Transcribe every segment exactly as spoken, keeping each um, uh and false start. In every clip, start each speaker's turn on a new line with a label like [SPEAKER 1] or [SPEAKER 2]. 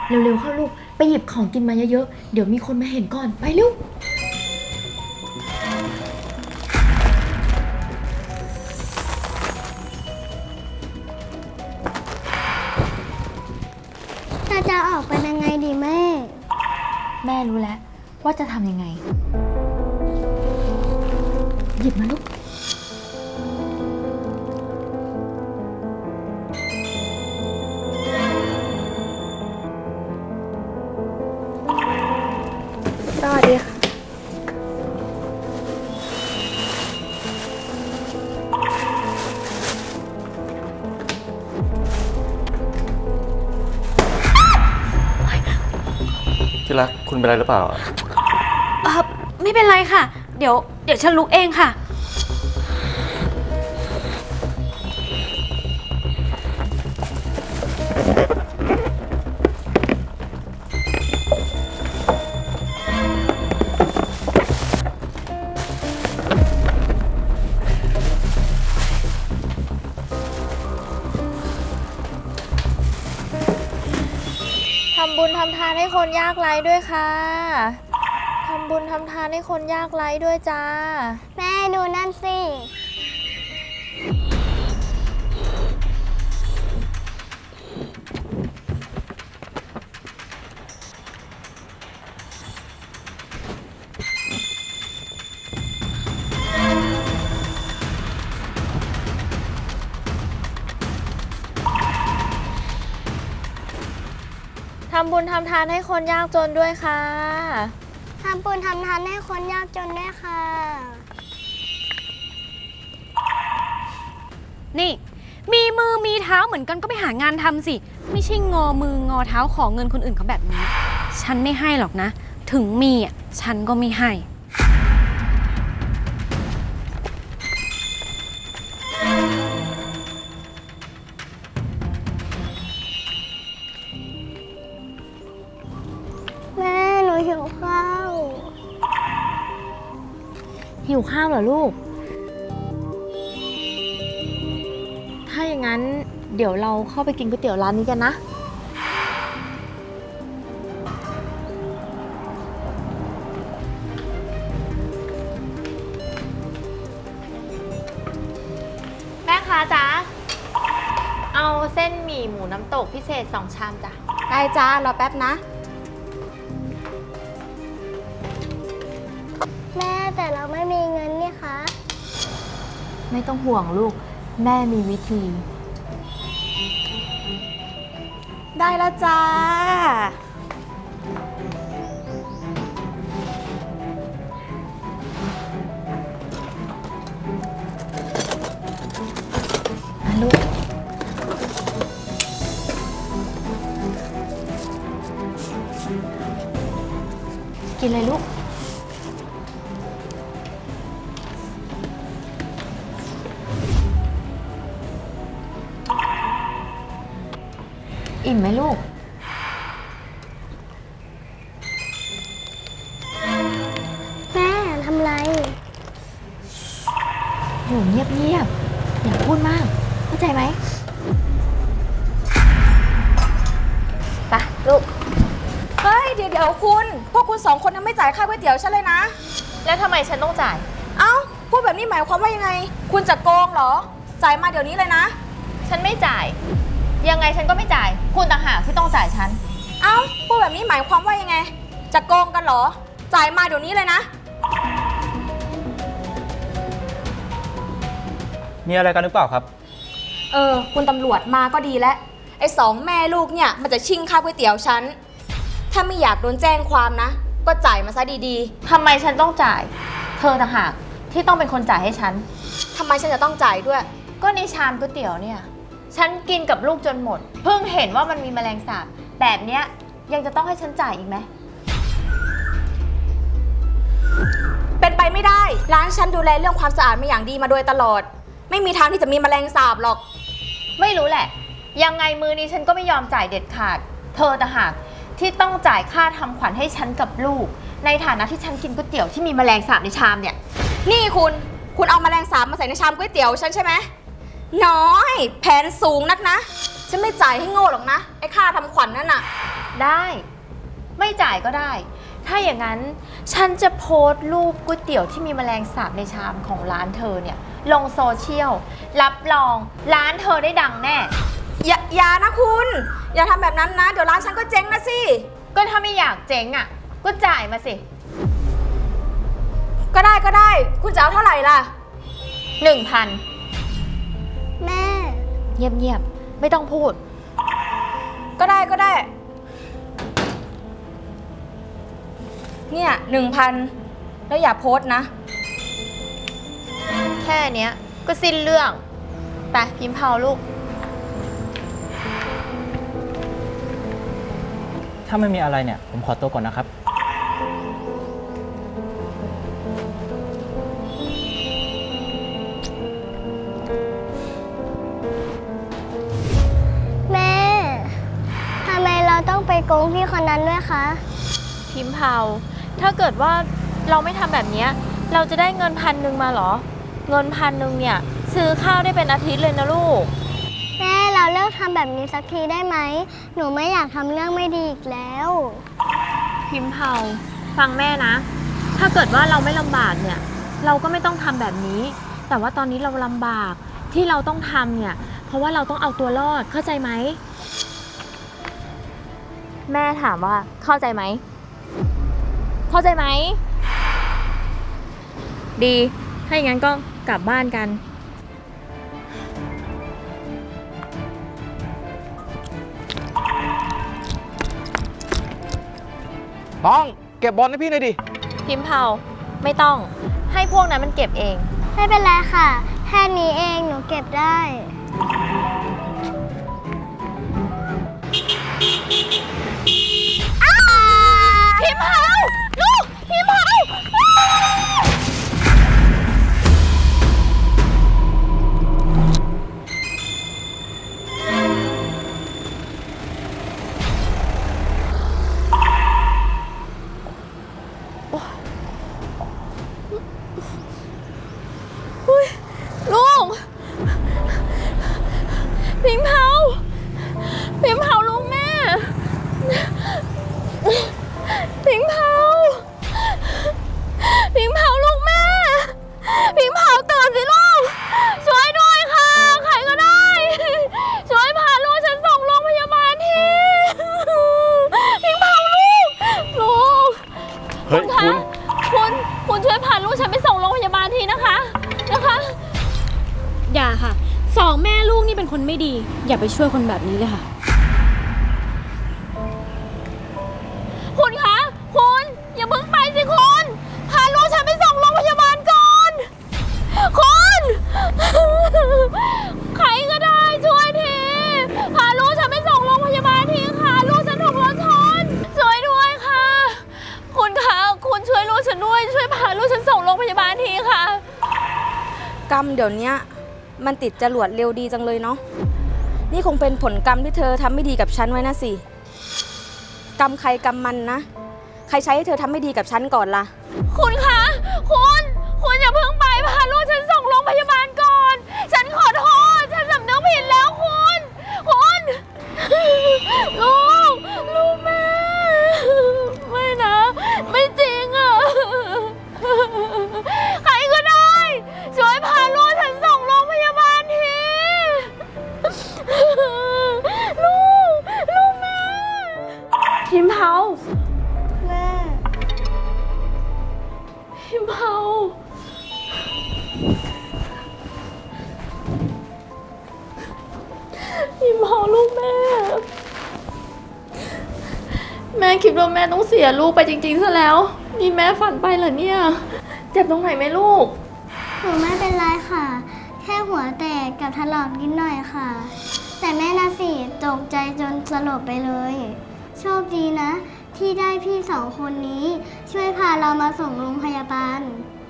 [SPEAKER 1] เร็วๆเข้าลูกไปหยิบของกินมาเยอะๆเดี๋ยวมีคนมาเห็นก่อนไปเร็ว
[SPEAKER 2] เราจะออกไปยังไงดีแม่
[SPEAKER 1] แม่รู้แล้วว่าจะทำยังไงหยิบมาลูก
[SPEAKER 2] สวัสดีค่ะ
[SPEAKER 3] ที่รักคุณเป็นไรหรือเปล่า
[SPEAKER 4] เออไม่เป็นไรค่ะเดี๋ยวเดี๋ยวฉันลุกเองค่ะ
[SPEAKER 1] ทำบุญทำทานให้คนยากไร้ด้วยค่ะทำบุญทำทานให้คนยากไร้ด้วยจ้า
[SPEAKER 2] แม่ดูนั่นสิ
[SPEAKER 1] ทำบุญทำทานให้คนยากจนด้วยค่ะ
[SPEAKER 2] ทำบุญทำทานให้คนยากจนด้วยค่ะ
[SPEAKER 4] นี่มีมือมีเท้าเหมือนกันก็ไปหางานทำสิไม่ใช่งอมืองอเท้าขอเงินคนอื่นเขาแบบนี้ฉันไม่ให้หรอกนะถึงมีอ่ะฉันก็ไม่ให้
[SPEAKER 2] แม่หนูหิวข้าว
[SPEAKER 1] หิวข้าวเหรอลูกถ้าอย่างนั้นเดี๋ยวเราเข้าไปกินก๋วยเตี๋ยวร้านนี้กันนะแม่ค้าจ๊ะเอาเส้นหมี่หมูน้ำตกพิเศษสองชามจ้ะ
[SPEAKER 5] ได้จ้ารอแป๊บนะ
[SPEAKER 2] แม่แต่เราไม่มีเงินนี่คะ
[SPEAKER 1] ไม่ต้องห่วงลูกแม่มีวิธี
[SPEAKER 5] ได้แล้วจ้า
[SPEAKER 1] ลูกกินเลยลูกอิ่มไหมลูก
[SPEAKER 2] แม่ทำไร
[SPEAKER 1] อยู่เงียบๆอย่าพูดมากเข้าใจไหมไปลูก
[SPEAKER 5] เฮ้ยเดี๋ยวเดี๋ยวคุณพวกคุณสองคนยังไม่จ่ายค่าก๋วยเตี๋ยวฉันเลยนะ
[SPEAKER 1] แล้วทำไมฉันต้องจ่าย
[SPEAKER 5] เอ้าพูดแบบนี้หมายความว่ายังไงคุณจะโกงเหรอจ่ายมาเดี๋ยวนี้เลยนะ
[SPEAKER 1] ฉันไม่จ่ายยังไงฉันก็ไม่จ่ายคุณต่างหากที่ต้องจ่ายฉัน
[SPEAKER 5] เอ้าพูดแบบนี้หมายความว่ายังไงจะโกงกันเหรอจ่ายมาเดี๋ยวนี้เลยนะ
[SPEAKER 3] มีอะไรกันหรือเปล่าครับ
[SPEAKER 5] เออคุณตำรวจมาก็ดีแล้วไอ้สองแม่ลูกเนี่ยมันจะชิงค่าก๋วยเตี๋ยวฉันถ้าไม่อยากโดนแจ้งความนะก็จ่ายมาซะดี
[SPEAKER 1] ๆทำไมฉันต้องจ่ายเธอต่างหากที่ต้องเป็นคนจ่ายให้ฉัน
[SPEAKER 5] ทำไมฉันจะต้องจ่ายด้วย
[SPEAKER 1] ก็ในชามก๋วยเตี๋ยวเนี่ยฉันกินกับลูกจนหมดเพิ่งเห็นว่ามันมีแมลงสาบแบบเนี้ยยังจะต้องให้ฉันจ่ายอีกไหม
[SPEAKER 5] เป็นไปไม่ได้ร้านฉันดูแลเรื่องความสะอาดมาอย่างดีมาโดยตลอดไม่มีทางที่จะมีแมลงสาบหรอก
[SPEAKER 1] ไม่รู้แหละยังไงมือนี้ฉันก็ไม่ยอมจ่ายเด็ดขาดเธอต่างหากที่ต้องจ่ายค่าทำขวัญให้ฉันกับลูกในฐานะที่ฉันกินก๋วยเตี๋ยวที่มีแมลงสาบในชามเนี่ย
[SPEAKER 5] นี่คุณคุณเอาแมลงสาบมาใส่ในชามก๋วยเตี๋ยวฉันใช่ไหมน้อยแผนสูงนักนะฉันไม่จ่ายให้โง่หรอกนะไอ้ค่าทำขวัญนั่นน่ะ
[SPEAKER 1] ได้ ไม่จ่ายก็ได้ ถ้าอย่างนั้นฉันจะโพสต์รูปก๋วยเตี๋ยวที่มีแมลงสาบในชามของร้านเธอเนี่ยลงโซเชียลรับรองร้านเธอได้ดังแน่
[SPEAKER 5] อย่าอย่านะคุณ อย่าทำแบบนั้นนะ เดี๋ยวร้านฉันก็เจ๊งนะสิ
[SPEAKER 1] ก็ถ้าไม่อยากเจ๊งอ่ะก็จ่ายมาสิ
[SPEAKER 5] ก็ได้ก็ได้ คุณจะเอาเท่าไหร่ล่ะ
[SPEAKER 1] หนึ่งพัน
[SPEAKER 2] แม่
[SPEAKER 1] เงียบๆไม่ต้องพูด
[SPEAKER 5] ก็ได้ก็ได้ เนี่ยหนึ่งพันแล้วอย่าโพสต์นะ
[SPEAKER 1] แค่เนี้ยก็สิ้นเรื่องไปพิมพ์เผาลูก
[SPEAKER 3] ถ้าไม่มีอะไรเนี่ย ผมขอตัวก่อนนะครับ
[SPEAKER 2] แม่ทำไมเราต้องไปโกงพี่คนนั้นด้วยคะ
[SPEAKER 1] พิมพ์เผาถ้าเกิดว่าเราไม่ทำแบบเนี้ยเราจะได้เงินพันหนึ่งมาเหรอ เงินพันหนึ่งเนี่ยซื้อข้าวได้เป็นอาทิตย์เลยนะลูก
[SPEAKER 2] แม่เราเลิกทำแบบนี้สักทีได้ไหม หนูไม่อยากทำเรื่องไม่ดีอีกแล้ว
[SPEAKER 1] พิมพ์เผาฟังแม่นะ ถ้าเกิดว่าเราไม่ลำบากเนี่ยเราก็ไม่ต้องทำแบบนี้ แต่ว่าตอนนี้เราลำบากที่เราต้องทำเนี่ยเพราะว่าเราต้องเอาตัวรอดเข้าใจไหมแม่ถามว่าเข้าใจไหมเข้าใจไหมดีถ้าอย่างนั้นก็กลับบ้านกัน
[SPEAKER 6] ต้องเก็บบอลให้พี่หน่อยดิ
[SPEAKER 1] พิมพ์เผาไม่ต้องให้พวกนั้นมันเก็บเอง
[SPEAKER 2] ไม่เป็นไรค่ะ แค่นี้เองหนูเก็บได้
[SPEAKER 1] พิมพ์เผาลูกพิมพ์เผาลูกพิมพ์เผาพิมพ์เผาลูกแม่พิมพ์เผาพิมพ์เผาลูกแม่พิมพ์เผาตื่นสิลูกช่วยด้วยค่ะใครก็ได้ช่วยพาลูกฉันส่งโรงพยาบาลทีพิมพ์เผาลูกลูก
[SPEAKER 3] เฮ้ย
[SPEAKER 1] คะคุณคุณช่วยพาลูกฉันไปส่งโรงพยาบาลทีนะคะนะคะ
[SPEAKER 4] อย่าค่ะ สองแม่ลูกนี่เป็นคนไม่ดี อย่าไปช่วยคนแบบนี้เลยค่ะ
[SPEAKER 1] คุณคะคุณอย่าเพิ่งไปสิคุณพาลูกฉันไปส่งโรงพยาบาลก่อนคุณใครก็ได้ช่วยทีพาลูกฉันไปส่งโรงพยาบาลทีค่ะลูกฉันถูกรถชนช่วยด้วยค่ะคุณคะคุณช่วยลูกฉันด้วยช่วยพาลูกฉันส่งโรงพยาบาลทีค่ะ
[SPEAKER 5] กรรมเดี๋ยวนี้มันติดจรวดเร็วดีจังเลยเนาะ นี่คงเป็นผลกรรมที่เธอทำไม่ดีกับฉันไว้นะสิ กรรมใครกรรมมันนะ ใครใช้ให้เธอทำไม่ดีกับฉันก่อนล่ะ
[SPEAKER 1] คุณคะคุณคุณอย่าเพิ่งไปพาลูกฉันส่งโรงพยาบาลก่อนฉันขอโทษฉันสำนึกผิดแล้วคุณคุณลูกลูกแม่ไม่นะไม่จริงอ่ะใครก็ได้ช่วยพาลูกฉันส่งโรงพยาบาลทีลูกลูกแม่พิมพ์เผา
[SPEAKER 2] แม่
[SPEAKER 1] พิมพ์เผาพิมพ์เผาลูกแม่แม่คิดว่าแม่ต้องเสียลูกไปจริงๆซะแล้วนี่แม่ฝันไปเหรอเนี่ยเจ็บตรงไหนไหมลูก
[SPEAKER 2] หนูไม่เป็นไรค่ะ แค่หัวแตกกับถลอกนิดหน่อยค่ะ แต่แม่น่ะสิตกใจจนสลบไปเลย โชคดีนะ ที่ได้พี่สองคนนี้ ช่วยพาเรามาส่งโรงพยาบาล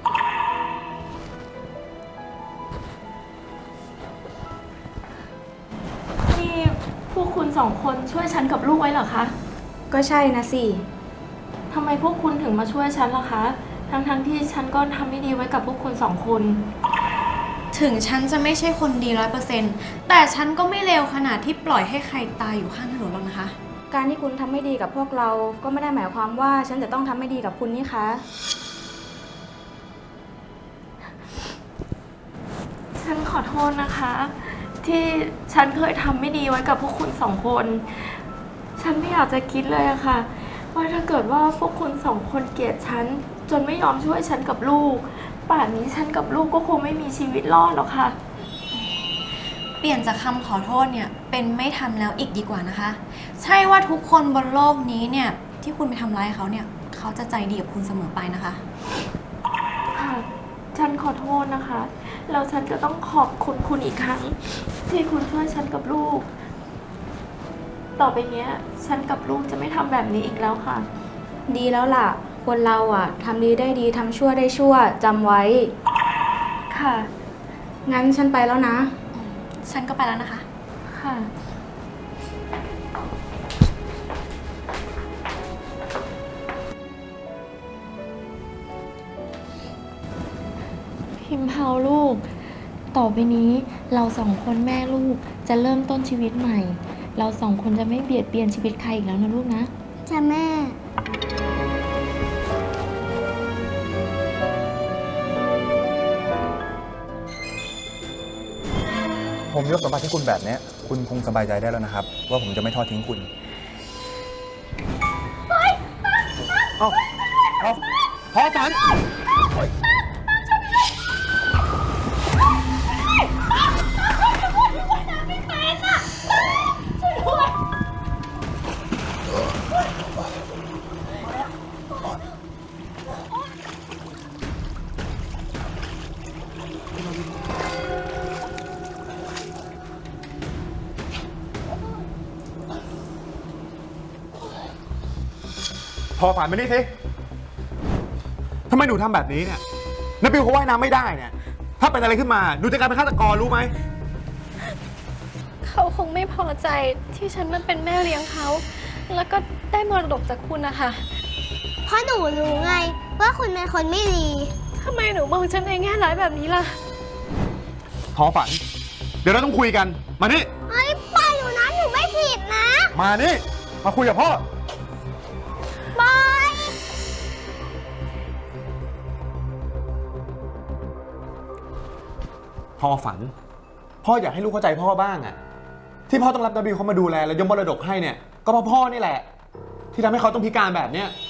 [SPEAKER 1] นี่พวกคุณสองคนช่วยฉันกับลูกไว้เหรอคะ
[SPEAKER 5] ก็ใช่นะสิ
[SPEAKER 1] ทำไมพวกคุณถึงมาช่วยฉันล่ะคะ ทั้งๆที่ฉันก็ทำไม่ดีไว้กับพวกคุณสองคน
[SPEAKER 4] ถึงฉันจะไม่ใช่คนดีร้อยเปอร์เซ็นต์แต่ฉันก็ไม่เลวขนาดที่ปล่อยให้ใครตายอยู่ข้างถนนหรอกนะคะ
[SPEAKER 5] การที่คุณทำไม่ดีกับพวกเราก็ไม่ได้หมายความว่าฉันจะต้องทำไม่ดีกับคุณนี่คะ
[SPEAKER 1] ฉันขอโทษนะคะ ที่ฉันเคยทำไม่ดีไว้กับพวกคุณสองคน ฉันไม่อยากจะคิดเลยอะค่ะ ว่าถ้าเกิดว่าพวกคุณสองคนเกลียดฉันจนไม่ยอมช่วยฉันกับลูก ป่านนี้ฉันกับลูกก็คงไม่มีชีวิตรอดหรอกค่ะ
[SPEAKER 4] เปลี่ยนจากคำขอโทษเนี่ยเป็นไม่ทำแล้วอีกดีกว่านะคะ ใช่ว่าทุกคนบนโลกนี้เนี่ยที่คุณไปทำร้ายเขาเนี่ยเขาจะใจดีกับคุณเสมอไปนะคะ
[SPEAKER 1] ค่ะ ฉันขอโทษนะคะ แล้วฉันก็ต้องขอบคุณคุณอีกครั้ง ที่คุณช่วยฉันกับลูก ต่อไปเนี้ย ฉันกับลูกจะไม่ทำแบบนี้อีกแล้วค่ะ
[SPEAKER 5] ดีแล้วล่ะ คนเราอ่ะทำดีได้ดีทำชั่วได้ชั่วจำไว้
[SPEAKER 1] ค่ะ
[SPEAKER 5] งั้นฉันไปแล้วนะ
[SPEAKER 4] ฉันก็ไปแล้วนะคะ
[SPEAKER 1] ค่ะ พิมพ์เผาลูก ต่อไปนี้เราสองคนแม่ลูกจะเริ่มต้นชีวิตใหม่ เราสองคนจะไม่เบียดเบียนชีวิตใครอีกแล้วนะลูกนะ
[SPEAKER 2] จ้ะแม่
[SPEAKER 7] ผมยกสมบัติให้คุณแบบนี้คุณคงสบายใจได้แล้วนะครับ ว่าผมจะไม่ทอดทิ้งคุณเอ้าพอพอฝันพอฝันมานี่สิทำไมหนูทำแบบนี้เนี่ยนบิวเขาว่ายน้ำไม่ได้เนี่ยถ้าเป็นอะไรขึ้นมาหนูจะกลายเป็นฆาตกรรู้ไหม
[SPEAKER 4] เขาคงไม่พอใจที่ฉันมาเป็นแม่เลี้ยงเขา แล้วก็ได้มรดกจากคุณนะคะ
[SPEAKER 2] เพราะหนูรู้ไงว่าคุณเป็นคนไม่ดี
[SPEAKER 4] ทำไมหนูมองฉันในแง่ร้ายแบบนี้ล่ะ
[SPEAKER 7] พอฝัน เดี๋ยวเราต้องคุยกันมานี่
[SPEAKER 2] ไอ้ปล่อยหนูนะหนูไม่ผิดนะ
[SPEAKER 7] มานี่มาคุยกับพ่อ
[SPEAKER 2] ปล่อย
[SPEAKER 7] พ่อฝัน พ่ออยากให้ลูกเข้าใจพ่อบ้างอะที่พ่อต้องรับนบิวเขามาดูแลและยกมรดกให้เนี่ยก็เพราะพ่อนี่แหละ ที่ทำให้เขาต้องพิการแบบเนี้ย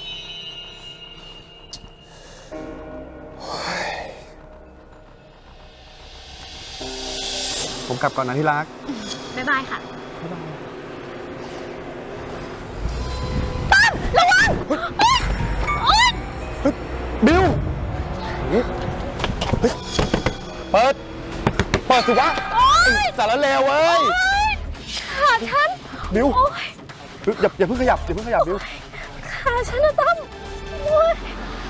[SPEAKER 7] ผมกลับก่อนนะที่รัก
[SPEAKER 4] บ๊ายบายค่ะ
[SPEAKER 7] บิวเฮ้ยเปิด เปิดสิวะไอ้สารเลวเว้ย
[SPEAKER 4] ขาฉัน
[SPEAKER 7] บิวอย่าอย่าเพิ่งขยับอย่าเพิ่งขยับบิว
[SPEAKER 4] ขาฉันนะตั้มโอ๊ย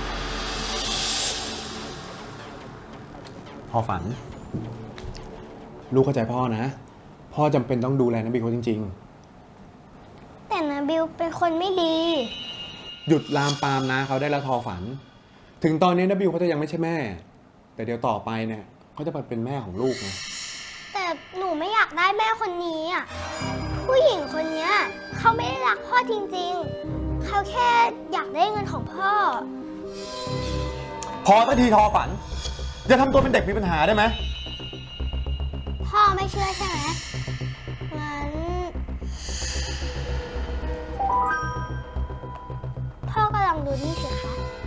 [SPEAKER 7] พ่อฝัน ลูกเข้าใจพ่อนะ พ่อจำเป็นต้องดูแลน้ำบิวเขาจริง
[SPEAKER 2] แต่นาบิวเป็นคนไม่ดี
[SPEAKER 7] ๆ หยุดลามปามนะเขาได้แล้วทอฝัน ถึงตอนนี้น้ำบิวเขาจะยังไม่ใช่แม่ แต่เดี๋ยวต่อไปเนี่ยเขาจะมาเป็นแม่ของลูกนะ
[SPEAKER 2] แต่หนูไม่อยากได้แม่คนนี้อ่ะ ผู้หญิงคนเนี้ยเขาไม่ได้รักพ่อจริงๆ เขาแค่อยากได้เงินของพ่อ
[SPEAKER 7] พอสักทีทอฝัน อย่าทำตัวเป็นเด็กมีปัญหาได้ไหม
[SPEAKER 2] พ่อไม่เชื่อใช่ไหมงั้น พ่อก็ลองดูนี่สิคะ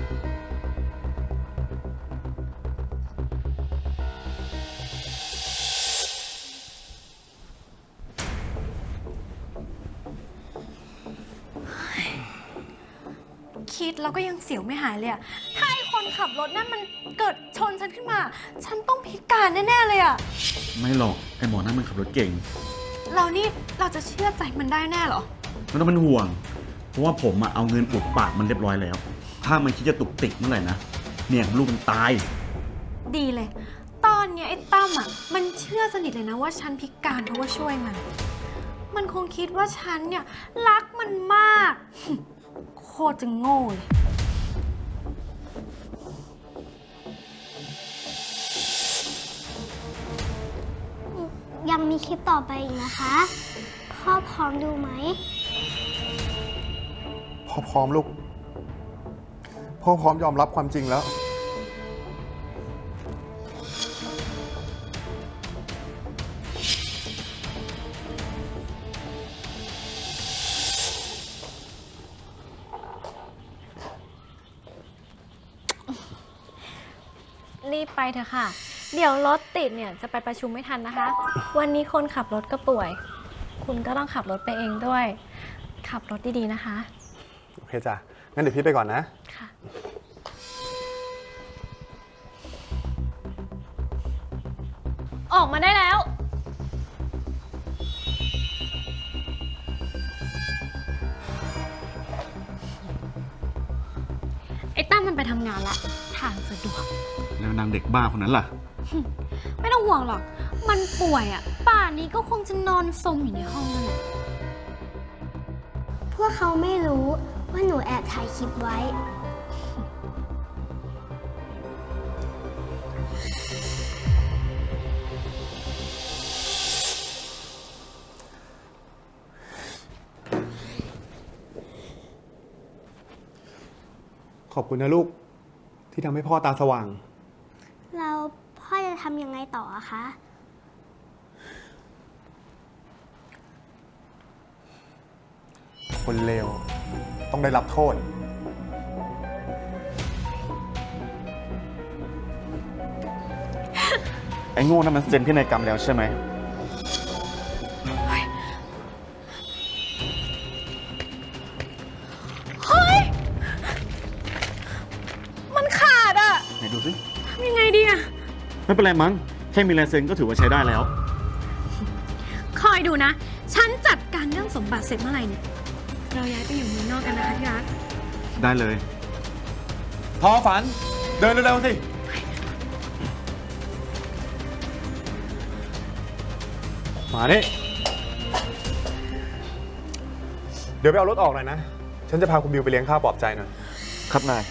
[SPEAKER 4] คิดแล้วก็ยังเสียวไม่หายเลยอะถ้าไอคนขับรถนั่นมันเกิดชนฉันขึ้นมา ฉันต้องพิการแน่ๆเลยอะ
[SPEAKER 8] ไม่หรอก ไอหมอนั่นมันขับรถเก่ง
[SPEAKER 4] เรานี่เราจะเชื่อใจมันได้แน่เหรอ
[SPEAKER 8] ไม่ต้องเป็นห่วง เพราะว่าผมอะเอาเงินอุดปากมันเรียบร้อยแล้ว ถ้ามันคิดจะตุกติกเมื่อไหร่นะเนี่ยลูกมันตาย
[SPEAKER 4] ดีเลย ตอนเนี้ยไอ้ตั้มอะมันเชื่อสนิทเลยนะว่าฉันพิการเพราะว่าช่วยมัน มันคงคิดว่าฉันเนี่ยรักมันมาก โคตรจะโง่เลย
[SPEAKER 2] ยังมีคลิปต่อไปอีกนะคะ พ่อพร้อมดูไหม
[SPEAKER 7] พ่อพร้อมลูก พ่อพร้อมยอมรับความจริงแล้ว
[SPEAKER 4] รีบไปเถอะค่ะ เดี๋ยวรถติดเนี่ยจะไปประชุมไม่ทันนะคะ วันนี้คนขับรถก็ป่วย คุณก็ต้องขับรถไปเองด้วย ขับรถดีๆนะคะ
[SPEAKER 7] โอเคจ้ะ งั้นเดี๋ยวพี่ไปก่อนนะ
[SPEAKER 4] ค่ะ
[SPEAKER 1] ออกมาได้แล้ว
[SPEAKER 4] ไอ้ตั้มมันไปทำงานละ ทางสะดวก
[SPEAKER 8] แล้วนางเด็กบ้าคนนั้นล่ะ
[SPEAKER 4] ไม่ต้องห่วงหรอก มันป่วยอ่ะ ป่านนี้ก็คงจะนอนสมอยู่ในห้องนั่นแหละ
[SPEAKER 2] พวกเขาไม่รู้ว่าหนูแอบถ่ายคลิปไว้
[SPEAKER 7] ขอบคุณนะลูก ที่ทำให้พ่อตาสว่าง
[SPEAKER 2] เราพ่อจะทำยังไงต่ออะคะ
[SPEAKER 7] คนเลวต้องได้รับโทษ
[SPEAKER 8] ไอ้โง่นั่นมันเซ็นพินัยกรรมแล้วใช่ไหม
[SPEAKER 4] มันขาดอ่ะ
[SPEAKER 8] ไหนดูสิ
[SPEAKER 4] ทำยังไงดีอ่ะ
[SPEAKER 8] ไม่เป็นไรมั้ง แค่มีลายเซ็นก็ถือว่าใช้ได้แล้ว
[SPEAKER 4] คอยดูนะ ฉันจัดการเรื่องสมบัติเสร็จเมื่อไหร่เนี่ย เราย้ายไปอยู่เมืองนอกกันนะคะที่รัก
[SPEAKER 8] ได้เลย
[SPEAKER 7] ทอฝัน เดินเร็วๆสิ มาดิเดี๋ยวไปเอารถออกหน่อยนะ ฉันจะพาคุณบิวไปเลี้ยงข้าวปลอบใจหน่อย
[SPEAKER 8] ครับนาย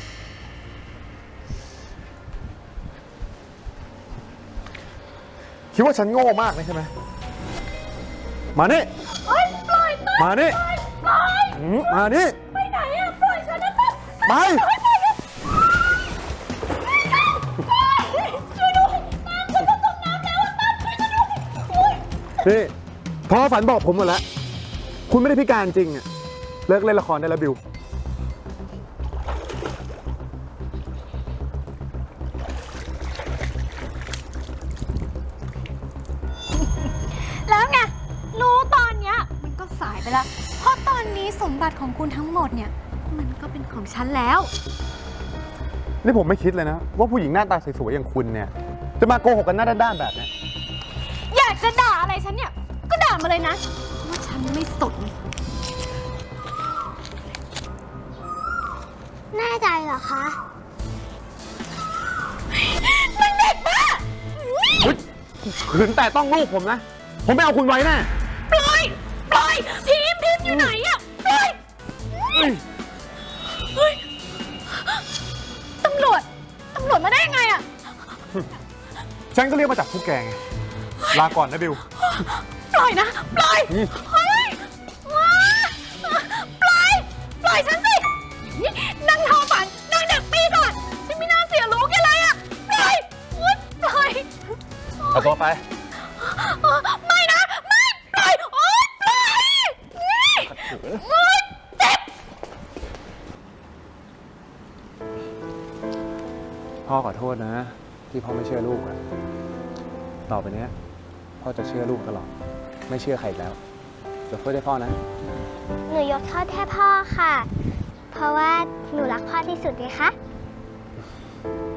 [SPEAKER 7] คิดว่าฉันโง่มากนะใช่ไหม มานี่มานี่อืมมานี่ ไปไหนอะปล่อยฉันนะไป นี่พ่อฝันบอกผมหมดแล้ว คุณไม่ได้พิการจริงอะเลิกเล่นละครได้แล้วบิว
[SPEAKER 4] แล้วไง รู้ตอนเนี้ยมันก็สายไปแล้ว เพราะตอนนี้สมบัติของคุณทั้งหมดเนี่ย มันก็เป็นของฉันแล้ว
[SPEAKER 7] นี่ผมไม่คิดเลยนะ ว่าผู้หญิงหน้าตาสวยๆอย่างคุณเนี่ย จะมาโกหกกันหน้าด้านๆแบบนี้
[SPEAKER 4] อยากจะด่าอะไรฉันเนี่ย ก็ด่ามาเลยนะ ว่าฉันไม่สน
[SPEAKER 2] แน่ใจเหรอคะ
[SPEAKER 7] ขืนแต่ต้องลูกผมนะ ผมไม่เอาคุณไว้แน่
[SPEAKER 4] ปล่อย ปล่อย พิมพ์พิมพ์อยู่ไหนอะปล่อยเฮ้ยตำรวจ ตำรวจมาได้ยังไงอะ
[SPEAKER 7] ฉันก็เรียกมาจากพวกแกไง ลาก่อนนะบิว
[SPEAKER 4] ปล่อยนะ ปล่อย
[SPEAKER 7] นี่
[SPEAKER 4] เฮ้ยว้าปล่อย ปล่อยฉันสินั่งทอฝันนั่งเด็กปีศาจฉันไม่น่าเสียลูกแกเลยอะปล่อยอุ๊ยปล่อย
[SPEAKER 7] เอาตัวไป
[SPEAKER 4] ไม่นะ ไม่ ปล่อย โอ๊ยปล่อยนี่โอ๊ยเจ็บ
[SPEAKER 7] พ่อขอโทษนะ ที่พ่อไม่เชื่อลูกอะต่อไปเนี้ยพ่อจะเชื่อลูกตลอด ไม่เชื่อใครอีกแล้วยกโทษให้พ่อนะ
[SPEAKER 2] หนูยกโทษแค่พ่อค่ะ เพราะว่าหนูรักพ่อที่สุดเลยคะ